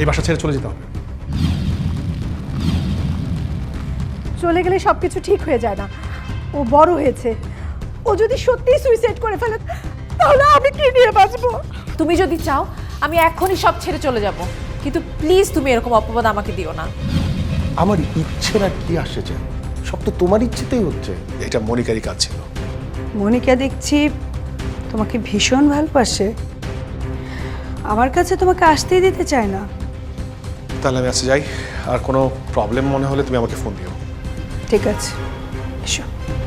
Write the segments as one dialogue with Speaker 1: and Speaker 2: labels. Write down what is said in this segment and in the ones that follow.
Speaker 1: এই বাসা ছেড়ে চলে যেতে হবে।
Speaker 2: চলে গেলে সবকিছু ঠিক হয়ে যায় না। ও বড় হয়েছে, ও যদি সত্যিই সুইসাইড করে ফেলে তাহলে আমি কি নিয়ে বাঁচবো?
Speaker 3: তুমি যদি চাও আমি এখনই সব ছেড়ে চলে যাব, কিন্তু প্লিজ তুমি এরকম অপবাদ আমাকে দিও না।
Speaker 4: আমার ইচ্ছের আর কি আসে যায়, সব তো তোমার ইচ্ছেতেই হচ্ছে।
Speaker 1: এটা মনিকারই কাজ ছিল।
Speaker 5: মনিকা দেখছি তোমাকে ভীষণ ভালোবাসে, আমার কাছে তোমাকে আসতেই দিতে চায় না।
Speaker 1: তাহলে আমি আজকে যাই, আর কোনো প্রবলেম মনে হলে তুমি আমাকে ফোন দিও।
Speaker 5: ঠিক আছে, এসো।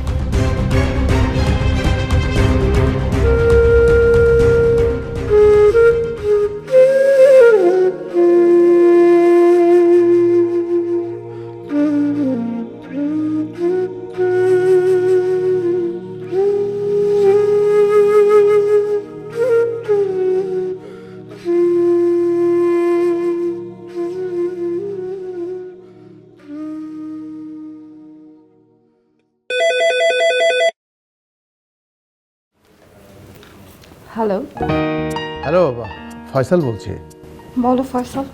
Speaker 6: হ্যালো।
Speaker 4: হ্যালো, ফয়সাল বলছি।
Speaker 6: বলো ফয়সাল।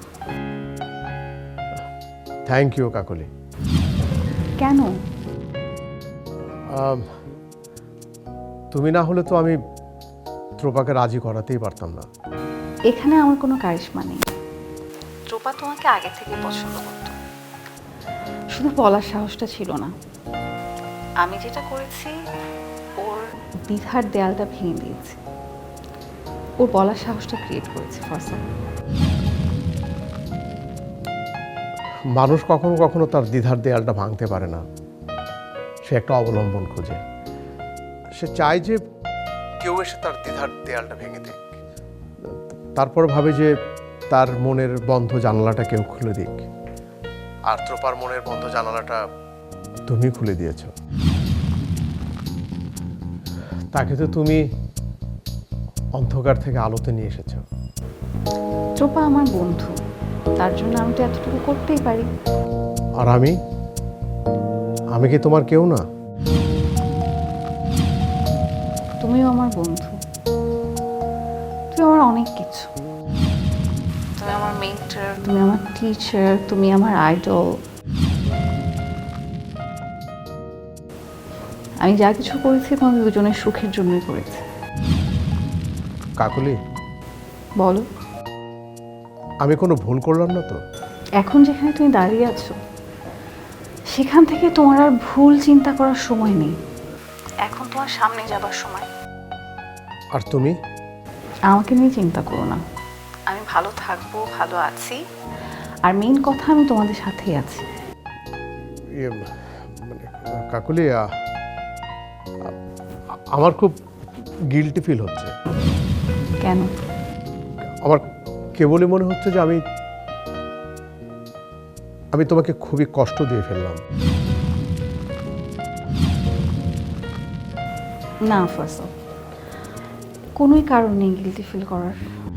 Speaker 4: থ্যাংক ইউ কাকলি।
Speaker 6: কেন?
Speaker 4: তুমি না হলে তো আমি ত্রোপাকে রাজি করাতেই পারতাম না।
Speaker 6: এখানে আমার কোনো কারিশমা নেই। ট্রোপা তোমাকে আগে থেকে পছন্দ করত, শুধু বলার সাহসটা ছিল না। আমি যেটা করেছি, ওর দ্বিধার দেয়ালটা ভেঙে দিয়েছি, ওর বলার সাহসটা ক্রিয়েট করেছে ফয়সাল।
Speaker 4: মানুষ কখনো কখনো তার দ্বিধার দেয়ালটা ভাঙতে পারে না, সে একটা অবলম্বন খোঁজে। সে চায় যে কেউ এসে তার দ্বিধার দেয়ালটা ভেঙে দিক, তারপর ভাবে যে তার মনের বন্ধ জানালাটা কেউ খুলে দিক। আর ত্রোপার মনের বন্ধ জানালাটা তুমি খুলে দিয়েছ। তাকে তো তুমি অন্ধকার থেকে আলোতে নিয়ে এসেছ।
Speaker 6: ট্রোপা আমার বন্ধু, তার জন্য আমি তো এতটুকু করতেই পারি।
Speaker 4: আর আমি কি তোমার কেউ না?
Speaker 6: তুমিও আমার বন্ধু, তুমি আমার অনেক কিছু। তুমি আমার মেন্টর, তুমি আমার টিচার, তুমি আমার আইডল। আমি যা কিছু করেছি তোমাদের দুজনের সুখের জন্যই করেছি।
Speaker 4: কাকলি,
Speaker 6: বলো,
Speaker 4: আমি কোনো ভুল করলাম না তো?
Speaker 6: এখন যেখানে তুমি দাঁড়িয়ে আছো সেখান থেকে তোমার আর ভুল চিন্তা করার সময় নেই। এখন তোমার সামনে যাবার সময়।
Speaker 4: আর তুমি?
Speaker 6: আমাকে নিয়ে চিন্তা করো না, আমি ভালো থাকবো, ভালো আছি। আর মেইন কথা, আমি তোমাদের সাথেই আছি।
Speaker 4: মানে কাকলি, আমার খুব গিল্টি ফিল হচ্ছে।
Speaker 6: কেন?
Speaker 4: আমার কেবলই মনে হচ্ছে যে আমি তোমাকে খুবই কষ্ট দিয়ে ফেললাম।
Speaker 6: না ফয়সাল, কোনোই কারণ নেই গিল্টি ফিল করার।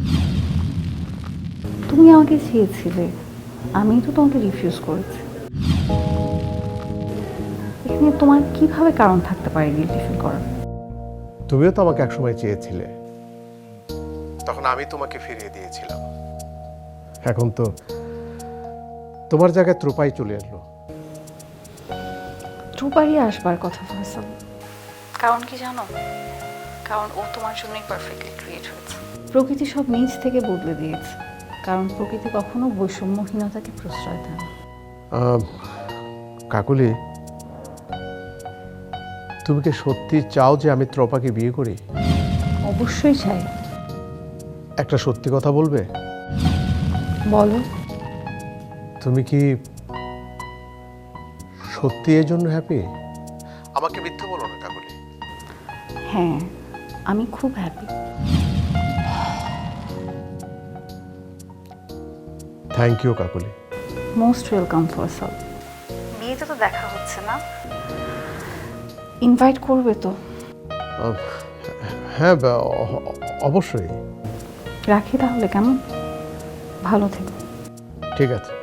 Speaker 6: তুমি আমাকে চেয়েছিলে, আমি তো তোমাকে রিফিউজ করেছি। এখানে তোমার কিভাবে কারণ থাকতে পারে গিল্টি ফিল করার?
Speaker 4: তুমিও তো আমাকে একসময় চেয়েছিলে, তখন আমি তোমাকে ফিরিয়ে দিয়েছিলাম। এখন তো তোমার জায়গায় ত্রোপাই চলে এলো।
Speaker 6: ট্রুপারই আসবার কথা ফয়সাল। কারণ কি জানো? কারণ ও তোমার জন্যই পারফেক্টলি ক্রিয়েট হয়েছে। প্রকৃতি সব নিজ থেকে বদলে দিয়েছে, কারণ প্রকৃতি কখনো বৈষম্যহীনতাকে প্রশ্রয় দেয় না।
Speaker 4: কাকলি, তুমি কি সত্যি চাও যে আমি ত্রোপাকে বিয়ে করি?
Speaker 6: অবশ্যই চাই।
Speaker 4: একটা সত্যি কথা বলবে?
Speaker 6: বলো।
Speaker 4: তুমি কি সত্যি এর জন্য হ্যাপি? আমাকে মিথ্যে বলো না কাকলি।
Speaker 6: হ্যাঁ, আমি খুব happy.
Speaker 4: Thank you Kakali.
Speaker 6: Most welcome Faisal. বিয়েতে তো দেখা হচ্ছে না, ইনভাইট করবে তো?
Speaker 4: হ্যাঁ, অবশ্যই।
Speaker 6: রাখি তাহলে, কেমন? ভালো থেকো।
Speaker 4: ঠিক আছে।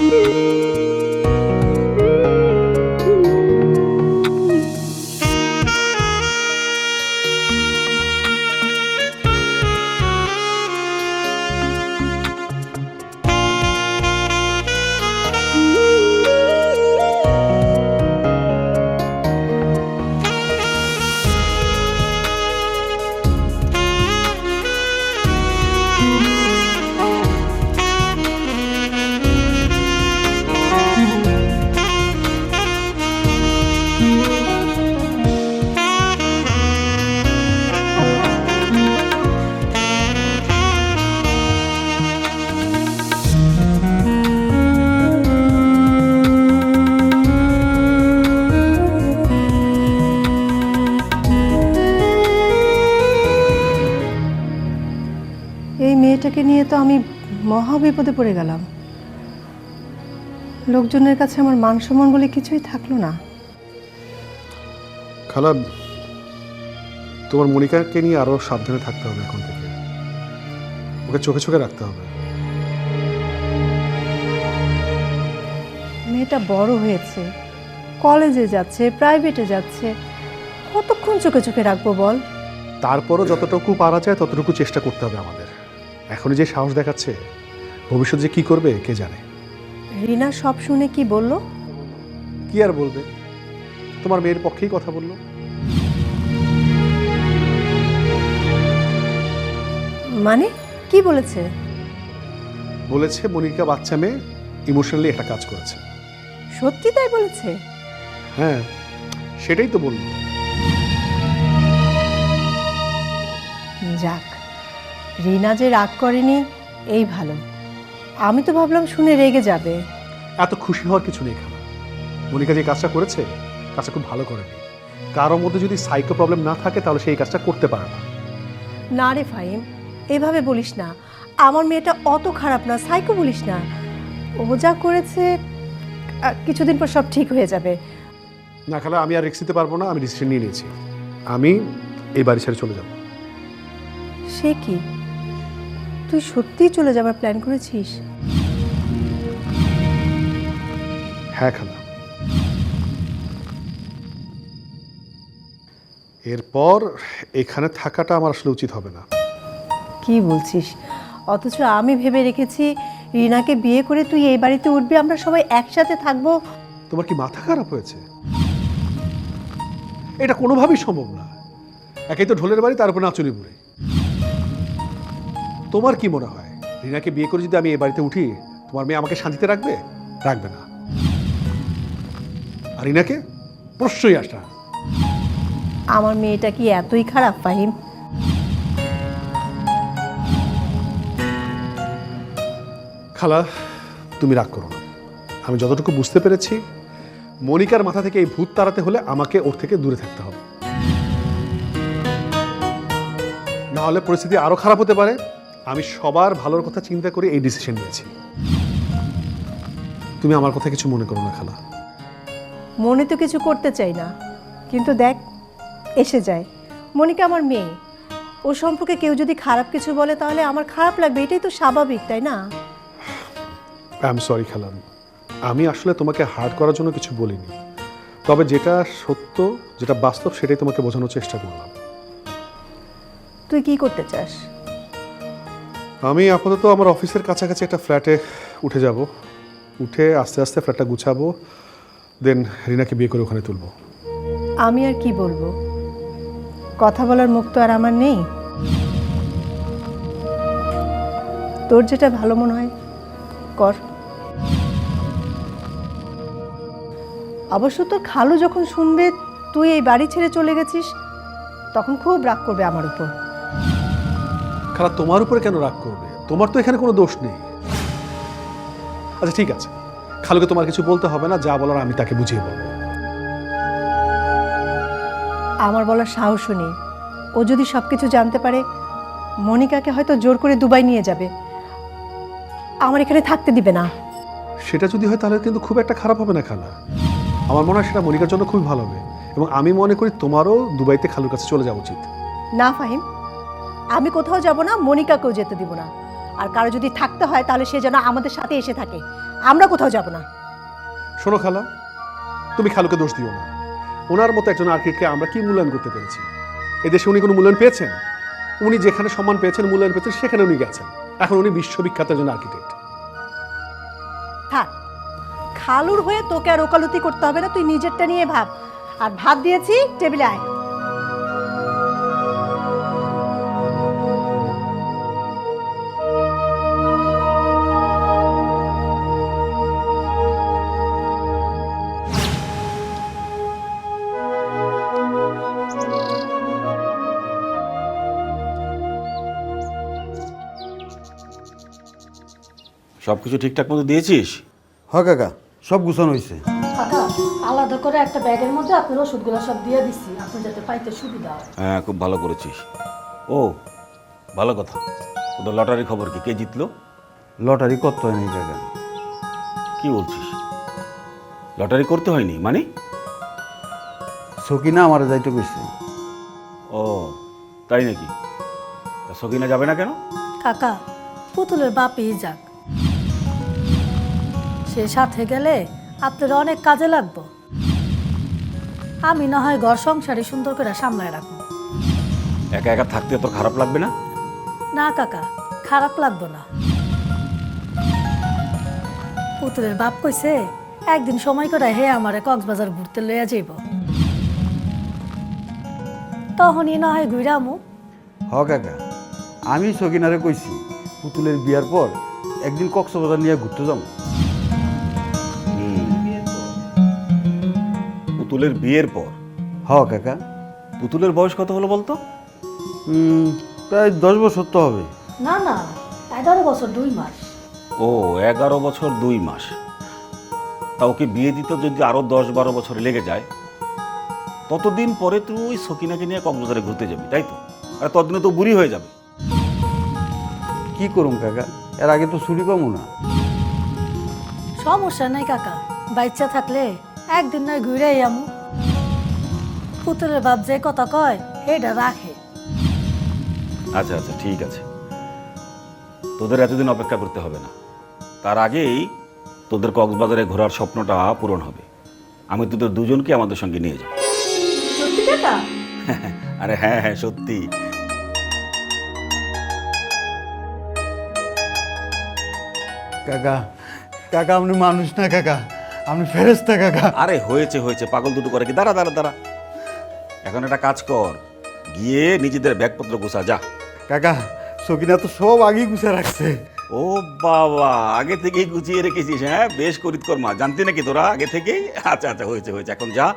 Speaker 2: এই মেয়েটাকে নিয়ে তো আমি মহা বিপদে পড়ে গেলাম। লোকজনের কাছে আমার মান সম্মান বলে কিছুই থাকলো না।
Speaker 1: খালা, তোমার মনিকাকে নিয়ে আরো সাবধানে থাকতে হবে এখন থেকে। ওকে চোখে চোখে রাখতে হবে।
Speaker 2: মেয়েটা বড় হয়েছে, কলেজে যাচ্ছে, প্রাইভেটে যাচ্ছে, কতক্ষণ চোখে চোখে রাখবো বল?
Speaker 1: তারপরও যতটুকু পারা যায় ততটুকু চেষ্টা করতে হবে আমাদের। এখনই যে সাহস দেখাচ্ছে, ভবিষ্যৎ যে কি করবে কে জানে।
Speaker 2: রিনা সব শুনে কি বলল?
Speaker 1: কি আর বলবে, তোমার মেয়ের পক্ষেই কথা বললো।
Speaker 2: মানে কি বলেছে?
Speaker 1: বলেছে মনিকা বাচ্চা মেয়ে, ইমোশনালি একটা কাজ করেছে।
Speaker 2: সত্যি তাই বলেছে?
Speaker 1: হ্যাঁ, সেটাই তো বললো।
Speaker 2: যাক, রিনা যে রাগ করেনি এই ভালো। আমি তো ভাবলাম শুনে রেগে যাবে।
Speaker 1: এত খুশি হওয়ার কিছু নেই খালা। মনিকা যে কাজটা করেছে, কাজটা খুব ভালো করেনি। কারোর মধ্যে যদি সাইকো প্রবলেম না থাকে তাহলে সেই কাজটা করতে পারে না।
Speaker 2: না রে ফাহিম, এভাবে বলিস না। আমার মেয়েটা অত খারাপ না, সাইকো বলিস না। ও যা করেছে কিছুদিন পর সব ঠিক হয়ে যাবে।
Speaker 1: না খালা, আমি আর রিস্ক নিতে পারবো না। আমি ডিসিশন নিয়ে নিয়েছি, আমি এই বাড়ি ছেড়ে চলে যাব।
Speaker 2: সে কি, তুই সত্যিই চলে যাবার প্ল্যান করেছিস?
Speaker 1: হ্যাঁ খালা, এরপর এখানে থাকাটা আমার আসলে উচিত হবে না।
Speaker 2: কি বলছিস? অথচ আমি ভেবে রেখেছি রিনাকে বিয়ে করে তুই এই বাড়িতে উঠবি, আমরা সবাই একসাথে থাকবো।
Speaker 1: তোমার কি মাথা খারাপ হয়েছে? এটা কোনোভাবেই সম্ভব না। একেই তো ঢোলের বাড়ি, তার উপর নাচুরি বুড়ি। তোমার কি মনে হয় রিনাকে বিয়ে করে যদি আমি এই বাড়িতে উঠি, তোমার মেয়ে আমাকে শান্তিতে রাখবে? রাখবে না। আর রিনাকে প্রশ্নই আসে না।
Speaker 2: আমার মেয়েটা কি এতই খারাপ ফাহিম?
Speaker 1: খালা, তুমি রাগ করো না। আমি যতটুকু বুঝতে পেরেছি, মনিকার মাথা থেকে এই ভূত তাড়াতে হলে আমাকে ওর থেকে দূরে থাকতে হবে, না হলে পরিস্থিতি আরো খারাপ হতে পারে। আমি সবার ভালোর কথা চিন্তা করে এই ডিসিশন নিয়েছি। তুমি আমার কথা কিছু মনে করো না খালা।
Speaker 2: মনে তো কিছু করতে চাই না, কিন্তু দেখ এসে যায়। মনিকা আমার মেয়ে, ও সম্পর্কে কেউ যদি খারাপ কিছু বলে তাহলে আমার খারাপ লাগবে, এটাই তো স্বাভাবিক, তাই না?
Speaker 1: আই এম সরি খালা, আমি আসলে তোমাকে হার্ট করার জন্য কিছু বলিনি। তবে যেটা সত্য, যেটা বাস্তব, সেটাই তোমাকে বোঝানোর চেষ্টা করলাম।
Speaker 2: তুই কি করতে চাস?
Speaker 1: আমি আপাতত আমার অফিসের কাছাকাছি একটা ফ্ল্যাটে উঠে যাব। উঠে আস্তে আস্তে ফ্ল্যাটটা গুছাবো, দেন রিনাকে বিয়ে করে ওখানে তুলবো।
Speaker 2: আমি আর কি বলবো? কথা বলার মুখ তো আর আমার নেই। তোর যেটা ভালো মনে হয় কর। অবশ্য তোর খালু যখন শুনবে তুই এই বাড়ি ছেড়ে চলে গেছিস, তখন খুব রাগ করবে আমার উপর।
Speaker 1: খালা, তোমার উপরে কেন রাগ করবে? তোমার তো এখানে কোনো দোষ নেই। আচ্ছা ঠিক আছে, খালুকে তোমার কিছু বলতে হবে না, যা বলার আমি তাকে বুঝিয়ে বলবো।
Speaker 2: আমার বলার সাহসও নেই। ও যদি সবকিছু জানতে পারে, মনিকাকে হয়তো জোর করে দুবাই নিয়ে যাবে, আমার এখানে থাকতে দিবে না।
Speaker 1: সেটা যদি হয় তাহলে কিন্তু খুব একটা খারাপ হবে না খালা। আমার মনে হয় সেটা মনিকার জন্য খুবই ভালো হবে, এবং আমি মনে করি তোমারও দুবাইতে খালুর কাছে চলে যাওয়া উচিত।
Speaker 2: না ফাহিম, আমি কোথাও যাব না, মনিকাকেও যেতে দিব না। আর কারো যদি থাকতে হয় তাহলে সে যেন আমাদের সাথে এসে থাকে। আমরা কোথাও যাব না।
Speaker 1: শোনো খালা, তুমি খালুকে দোষ দিও না। ওনার মতো একজন আর্কিটেক্টকে আমরা কি মূল্যায়ন করতে পেরেছি? এদেশে উনি কোনো মূল্যায়ন পেয়েছেন? উনি যেখানে সম্মান পেয়েছেন, মূল্যায়ন পেয়েছেন, সেখানে উনি গেছেন। এখন উনি বিশ্ববিখ্যাত একজন আর্কিটেক্ট।
Speaker 2: থাক, খালুর হয়ে তোকে আর ওকালতি করতে হবে না, তুই নিজেরটা নিয়ে ভাব। আর ভাত দিয়েছি, টেবিলে আয়।
Speaker 7: সব কিছু ঠিকঠাক মতো দিয়েছিস?
Speaker 8: হ কাকা, সব গুছানো হয়েছে।
Speaker 9: কাকা, আলাদা করে একটা ব্যাগের মধ্যে আপনার ওষুধগুলো সব দিয়ে দিচ্ছি, আপনি যাতে পাইতে সুবিধা হয়।
Speaker 7: হ্যাঁ, খুব ভালো করেছিস। ও ভালো কথা, তোদের লটারি খবর কি? কে জিতলো?
Speaker 8: লটারি করতে হয় নাই কাকা।
Speaker 7: কি বলছিস? লটারি করতে হয়নি মানে?
Speaker 8: সকিনা আমার যাইতে কইছে।
Speaker 7: ও তাই নাকি? তা সকিনা যাবে না কেন?
Speaker 9: কাকা, পুতুলের বাপই যাক, সে সাথে গেলে আপনার অনেক কাজে লাগবো। আমি না হয় ঘর সংসারে সুন্দর করে সামলায় রাখবো।
Speaker 7: একা একা থাকতে তোর খারাপ লাগবে না?
Speaker 9: না কাকা, খারাপ লাগবো না। পুতুলের বাপ কইছে একদিন সময় করে হে আমারে কক্সবাজার ঘুরতে লইয়া যাইব, তখনই না হয় ঘুরামু।
Speaker 8: হ কাকা, আমি সকিনারে কইছি পুতুলের বিয়ার পর একদিন কক্সবাজার নিয়ে ঘুরতে যাবো।
Speaker 7: পুতুলের বিয়ের পর?
Speaker 8: হ কাকা।
Speaker 7: পুতুলের বয়স কত হলো বলতো?
Speaker 8: প্রায় 10 বছর তো হবে।
Speaker 9: না না, 11 বছর 2 মাস।
Speaker 7: ও 11 বছর 2 মাস। তা ওকে বিয়ে দিতে যদি আরো 10-12 বছর লেগে যায়, ততদিন পরে তুই সকিনাকে নিয়ে কক্সবাজারে ঘুরতে যাবি, তাই তো? আর ততদিনে তো বুড়ি হয়ে যাবে।
Speaker 8: কি করুম কাকা, এর আগে তো ছুটি পাবো না।
Speaker 9: সমস্যা নাই কাকা, বাচ্চা থাকলে একদিন নয় ঘুরে আমু। পুতুলের বাপ যে কথা কয় এটা রাখে।
Speaker 7: আচ্ছা আচ্ছা, ঠিক আছে, তোদের এতদিন অপেক্ষা করতে হবে না। তার আগেই তোদের কক্সবাজারে ঘোরার স্বপ্নটা পূরণ হবে। আমি তোদের দুজনকে আমাদের সঙ্গে নিয়ে যাব।
Speaker 9: সত্যি কাকা?
Speaker 7: আরে হ্যাঁ হ্যাঁ, সত্যি।
Speaker 8: কাকা, কাকা আপনি মানুষ না কাকা, আপনি ফেরেশতা কাকা।
Speaker 7: আরে হয়েছে হয়েছে, পাগল দুটো করে কি? দাঁড়া দাঁড়া দাঁড়া, এখন একটা কাজ কর, গিয়ে নিজেদের ব্যাগপত্র গোছা যা।
Speaker 8: কাকা, সকিনা তো সব আগেই গুছা রাখছে।
Speaker 7: ও বাবা, আগে থেকেই গুছিয়ে রেখেছিস? হ্যাঁ, বেশ করিত কর্মা, জানতি নাকি তোরা আগে থেকেই? আচ্ছা আচ্ছা, হয়েছে হয়েছে, এখন যা।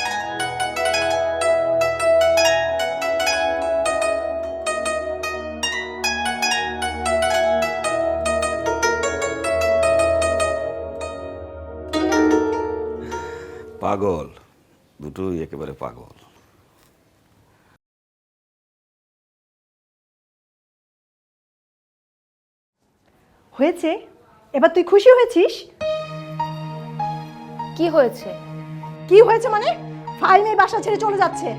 Speaker 7: পাগল দুটোই একেবারে পাগল।
Speaker 2: হয়েছে? এবার তুই খুশি হয়েছিস?
Speaker 3: কি হয়েছে?
Speaker 2: কি হয়েছে মানে? ফাইম এই বাসা ছেড়ে চলে যাচ্ছে।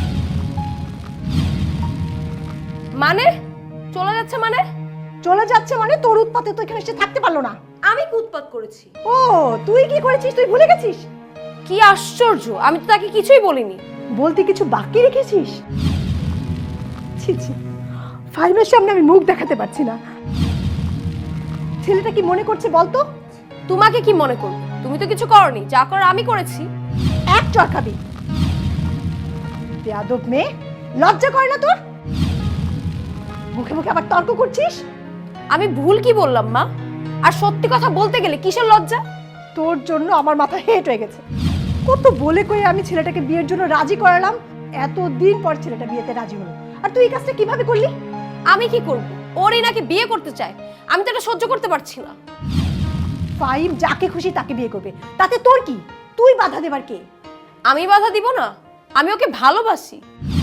Speaker 3: মানে চলে যাচ্ছে মানে?
Speaker 2: চলে যাচ্ছে মানে তোর উৎপাতে তো এখানে এসে থাকতে পারলো না।
Speaker 3: আমি কি উৎপাত করেছি?
Speaker 2: ও, তুই কি করেছিস তুই ভুলে গেছিস?
Speaker 3: কি আশ্চর্য, আমি তো তাকে কিছুই বলিনি।
Speaker 2: বলতে কিছু বাকি রেখেছিস? ছি ছি, ফাইমের সামনে আমি মুখ দেখাতে পারছি না। ছেলেটা কি মনে করছে বলতো?
Speaker 3: তোমাকে কি মনে করবে? তুমি তো কিছু করনি, যা করার আমি করেছি।
Speaker 2: এক চড় খাবি। বেয়াদব মেয়ে, লজ্জা করে না তোর? মুখে মুখে আবার তর্ক করছিস।
Speaker 3: আমি ভুল কি বললাম মা? আর সত্যি কথা বলতে গেলে কিসের লজ্জা?
Speaker 2: তোর জন্য আমার মাথা হেট হয়ে গেছে। কত বলে কয়ে আমি ছেলেটাকে বিয়ের জন্য রাজি করালাম, এতদিন পর ছেলেটা বিয়েতে রাজি হলো, আর তুই এই কাজটা কিভাবে করলি?
Speaker 3: আমি কি করব? ওরই নাকি বিয়ে করতে চায়, আমি তো এটা সহ্য করতে পারছি না।
Speaker 2: ফাইম যাকে খুশি তাকে বিয়ে করবে, তাতে তোর কি? তুই বাধা দেবার কে?
Speaker 3: আমি বাধা দিব না, আমি ওকে ভালোবাসি।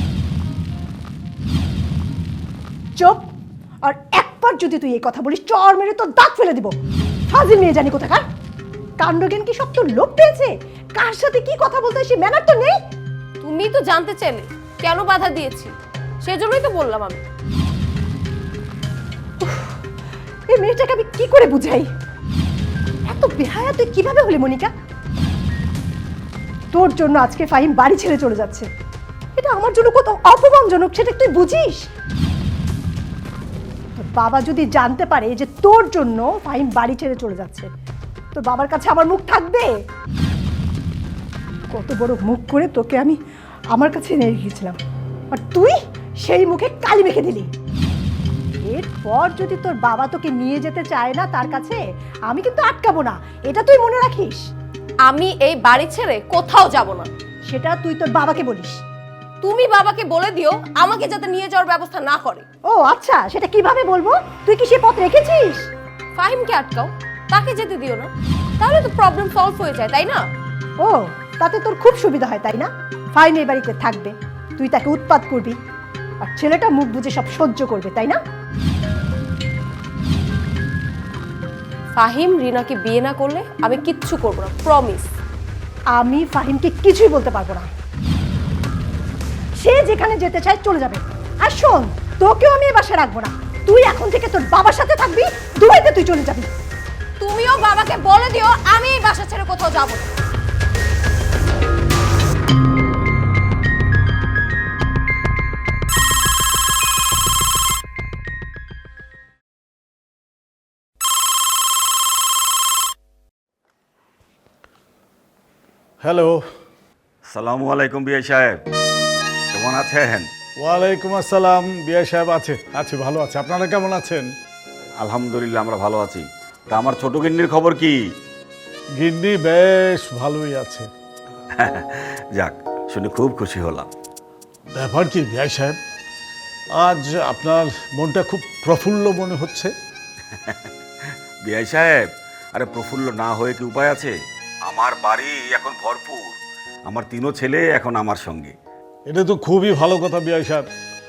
Speaker 2: চুপ! আর একবার যদি তুই এই কথা বলিস, চর মেরে তোর দাঁত ফেলে দিব। ফাজিল মেয়ে জানি কোথাকার। কাণ্ডজ্ঞান কি সব তোর লোভ পেয়েছে? কার সাথে কি কথা বলতে হয় সে ম্যানার তো নেই।
Speaker 3: তুমি তো জানতে চাইলে কেন বাধা দিয়েছি, সেজন্যই তো বললাম। আমি
Speaker 2: এই মেয়েটাকে আমি কি করে বুঝাই? এত বেহায়া তুই কিভাবে হলি মনিকা? তোর জন্য আজকে ফাহিম বাড়ি ছেড়ে চলে যাচ্ছে। এটা আমার জন্য কত অপমানজনক সেটা তুই বুঝিস? তোর বাবা যদি জানতে পারে যে তোর জন্য ফাহিম বাড়ি ছেড়ে চলে যাচ্ছে, তোর বাবার কাছে আমার মুখ থাকবে? কত বড় মুখ করে তোকে আমি আমার কাছে নিয়ে গিয়েছিলাম, আর তুই সেই মুখে কালি মেখে দিলি। এরপর যদি তোর বাবা তোকে নিয়ে যেতে চায় না তার কাছে, আমি কিন্তু আটকাবো না, এটা তুই মনে রাখিস।
Speaker 3: আমি এই বাড়ি ছেড়ে কোথাও যাব না।
Speaker 2: সেটা তুই তোর বাবাকে বলিস।
Speaker 3: তুমি বাবাকে বলে দিও আমাকে যাতে নিয়ে যাওয়ার ব্যবস্থা না করে।
Speaker 2: ও আচ্ছা, সেটা কিভাবে বলবো? তুই কি সে পথ রেখেছিস?
Speaker 3: ফাহিমকে আটকাও, তাকে যেতে দিও না, তাহলে তো প্রবলেম সলভ হয়ে যায়, তাই না?
Speaker 2: ও, তাতে তোর খুব সুবিধা হয় তাই না? ফাহিম এই বাড়িতে থাকবে, তুই তাকে উৎপাত করবি, আর ছেলেটা মুখ বুজে সব সহ্য করবে, তাই না?
Speaker 3: ফাহিম রিনাকে বিয়ে না করলে আমি কিচ্ছু করব না, প্রমিস।
Speaker 2: আমি ফাহিমকে কিছুই বলতে পারবো না। সে যেখানে যেতে চায় চলে যাবে। আর শোন, তোকেও আমি এই বাসায় রাখবো না। তুই এখন থেকে তোর বাবার সাথে থাকবি, দুবাইতে তুই চলে যাবি।
Speaker 3: তুমিও বাবাকে বলে দিও আমি এই বাসা ছেড়ে কোথাও যাব না।
Speaker 10: হ্যালো।
Speaker 7: সালামু আলাইকুম বিআই সাহেব, কেমন আছেন?
Speaker 10: ওয়ালাইকুম আসসালাম। বিআই সাহেব আছে ভালো আছে। আপনারা কেমন আছেন?
Speaker 7: আলহামদুলিল্লাহ, আমরা ভালো আছি। তা আমার ছোট গিন্নির খবর কি?
Speaker 10: গিন্নি বেশ ভালোই আছে।
Speaker 7: যাক, শুনে খুব খুশি হলাম।
Speaker 10: ব্যাপার কি বিআই সাহেব, আজ আপনার মনটা খুব প্রফুল্ল মনে হচ্ছে।
Speaker 7: বিআই সাহেব, আরে প্রফুল্ল না হয়ে কি উপায় আছে? আমার বাড়ি এখন ভরপুর, আমার 3 ছেলে এখন আমার সঙ্গে।
Speaker 10: এটা তো খুবই ভালো কথা বিআই সাহেব।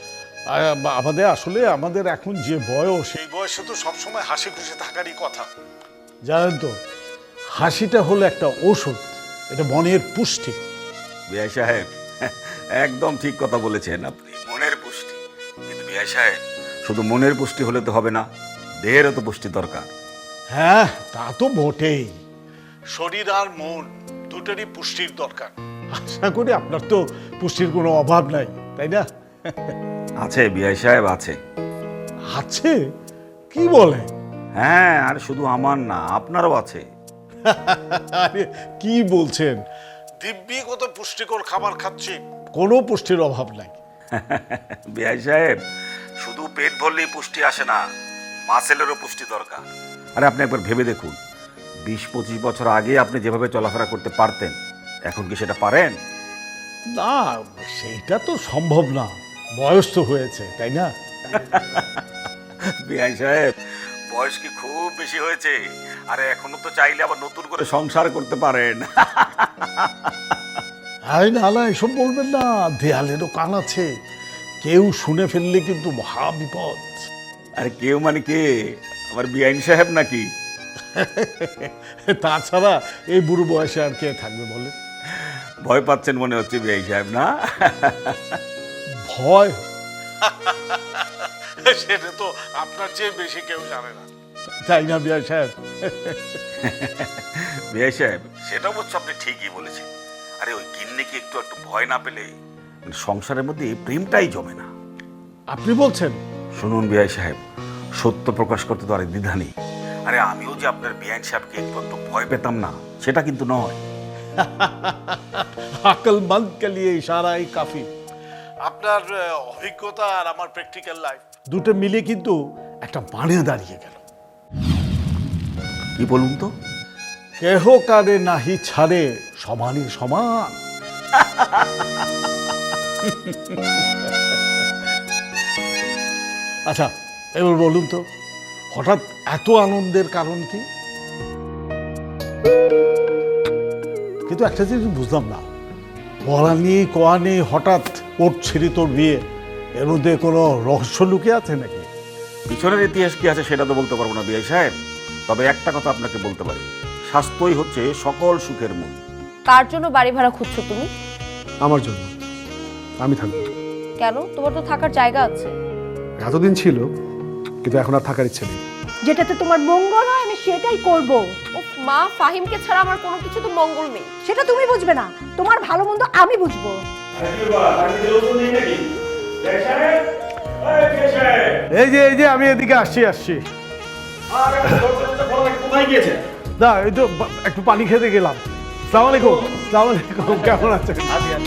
Speaker 10: আমাদের এখন যে বয়স, সেই বয়সে তো সবসময় হাসি খুশি থাকারই কথা। জানেন তো, হাসিটা হলো একটা ঔষধ, এটা মনের পুষ্টি।
Speaker 7: বিআই সাহেব, একদম ঠিক কথা বলেছেন আপনি, মনের পুষ্টি। কিন্তু বিআই সাহেব, শুধু মনের পুষ্টি হলে তো হবে না, দেহেরও তো পুষ্টি দরকার।
Speaker 10: হ্যাঁ, তা তো বটেই। শরীর আর মন দুটোরই পুষ্টির দরকার। আশা করি আপনার তো পুষ্টির কোনো অভাব নাই, তাই না?
Speaker 7: আছে বিআই সাহেব, আছে।
Speaker 10: আছে? কি বলে?
Speaker 7: হ্যাঁ, আর শুধু আমার না, আপনারও আছে।
Speaker 10: আরে কি বলছেন? দিব্যি কত পুষ্টিকর খাবার খাচ্ছি, কোনো পুষ্টির অভাব নাই।
Speaker 7: বিআই সাহেব, শুধু পেট ভরলেই পুষ্টি আসে না, মাসেলেরও পুষ্টি দরকার। আরে আপনি একবার ভেবে দেখুন, 20-25 বছর আগে আপনি যেভাবে চলাফেরা করতে পারতেন, এখন কি সেটা পারেন?
Speaker 10: না, সেইটা তো সম্ভব না, বয়স তো হয়েছে, তাই না?
Speaker 7: বিআই সাহেব, বয়স কি খুব বেশি হয়েছে? আরে এখনো তো চাইলে আবার নতুন করে সংসার করতে পারেন।
Speaker 10: আরে না, এসব বলবেন না, দেয়ালেরও কান আছে, কেউ শুনে ফেললে কিন্তু মহা বিপদ।
Speaker 7: আরে কেউ মানে কে? আমার বিআইন সাহেব নাকি?
Speaker 10: তাছাড়া এই বুড়ো বয়সে আর কে থাকবে বলে?
Speaker 7: ভয় পাচ্ছেন মনে হচ্ছে বিআই সাহেব, না?
Speaker 10: ভয়? সেটা তো আপনার চেয়ে বেশি কেউ জানে না, তাই না বিআই সাহেব?
Speaker 7: বিআই সাহেব, সেটা অবশ্য আপনি ঠিকই বলেছেন। আরে ওই গিন্নিকে একটু ভয় না পেলে সংসারের মধ্যে প্রেমটাই জমে না।
Speaker 10: আপনি বলছেন?
Speaker 7: শুনুন বিআই সাহেব, সত্য প্রকাশ করতে তো আর দ্বিধা নেই। আরে আমিও যে আপনার বিআইন সাহেবকে একটু ভয় পেতাম না, সেটা কিন্তু নয়।
Speaker 10: আকলমন্দ কে লিয়ে ইশারাই কাফি। আপনার অভিজ্ঞতা আর আমার প্র্যাকটিক্যাল লাইফ দুটো মিলে কিন্তু একটা মানে দাঁড়িয়ে গেল।
Speaker 7: কি বলুন তো?
Speaker 10: কেহ কারে নাহি ছাড়ে, সমানই সমান। আচ্ছা, এবার বলুন তো, হঠাৎ এত আনন্দের কারণ কি? কিন্তু একটা জিনিস বুঝলাম না, বলা নেই কোয়া নেই, হঠাৎ ওর ছেড়ে তোর বিয়ে, এর মধ্যে কোনো রহস্য লুকিয়ে আছে নাকি?
Speaker 7: পিছনের ইতিহাস কি আছে সেটা তো বলতে পারবো না বিআই সাহেব, তবে একটা কথা আপনাকে বলতে পারি, স্বাস্থ্যই হচ্ছে সকল সুখের মূল।
Speaker 3: কার জন্য বাড়ি ভাড়া খুঁজছো তুমি?
Speaker 1: আমার জন্য। আমি থাকবো।
Speaker 3: কেন? তোমার তো থাকার জায়গা আছে।
Speaker 1: এতদিন ছিল, কিন্তু এখন আর থাকার ইচ্ছে নেই।
Speaker 2: যেটাতে তোমার মঙ্গল হয় আমি সেটাই করব।
Speaker 3: উফ মা, ফাহিমকে ছাড়া আমার কোনো কিছু তো মঙ্গল নেই।
Speaker 2: সেটা তুমি বুঝবে না, তোমার ভালো মন্দ আমি বুঝবো।
Speaker 10: এই যে আমি এদিকে আসছি না, এই তো একটু পানি খেতে গেলাম। সালাম আলাইকুম। কেমন আছেন?